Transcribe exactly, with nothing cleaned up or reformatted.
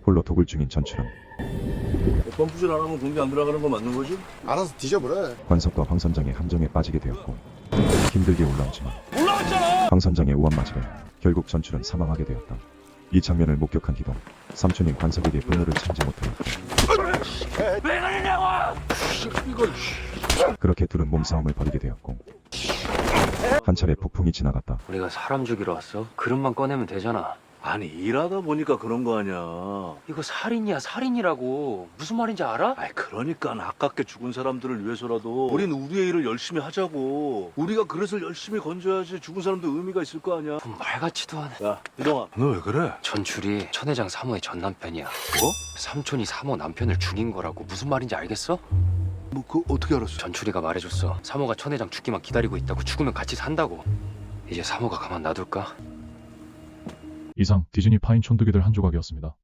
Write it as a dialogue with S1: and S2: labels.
S1: 홀로 독을 중인 전출은
S2: 펌프질 안 하면 공기 안 들어가는 거 맞는 거지?
S3: 알아서 뒤져버려.
S1: 관석과 황 선장의 함정에 빠지게 되었고 힘들게 올라오지만
S2: 올라왔잖아!
S1: 황 선장의 우한 맞이에 결국 전출은 사망하게 되었다. 이 장면을 목격한 기동 삼촌인 관석에게 분노를 참지 못해
S2: 왜 그러냐고! 이걸
S1: 그렇게 둘은 몸싸움을 벌이게 되었고 한 차례 폭풍이 지나갔다.
S4: 우리가 사람 죽이러 왔어? 그릇만 꺼내면 되잖아.
S2: 아니 일하다 보니까 그런 거 아니야.
S4: 이거 살인이야, 살인이라고. 무슨 말인지 알아?
S2: 아이 그러니까 아깝게 죽은 사람들을 위해서라도 우린 우리의 일을 열심히 하자고. 우리가 그릇을 열심히 건져야지 죽은 사람도 의미가 있을 거 아니야.
S4: 뭐 말 같지도 않아.
S2: 야 이동아 너 왜 그래?
S4: 전출이 천 회장 사모의 전 남편이야.
S2: 뭐?
S4: 삼촌이 사모 남편을 죽인 거라고. 무슨 말인지 알겠어?
S2: 뭐 그 어떻게 알았어?
S4: 전출이가 말해줬어. 사모가 천 회장 죽기만 기다리고 있다고. 죽으면 같이 산다고. 이제 사모가 가만 놔둘까?
S5: 이상 디즈니 파인 촌두기들 한 조각이었습니다.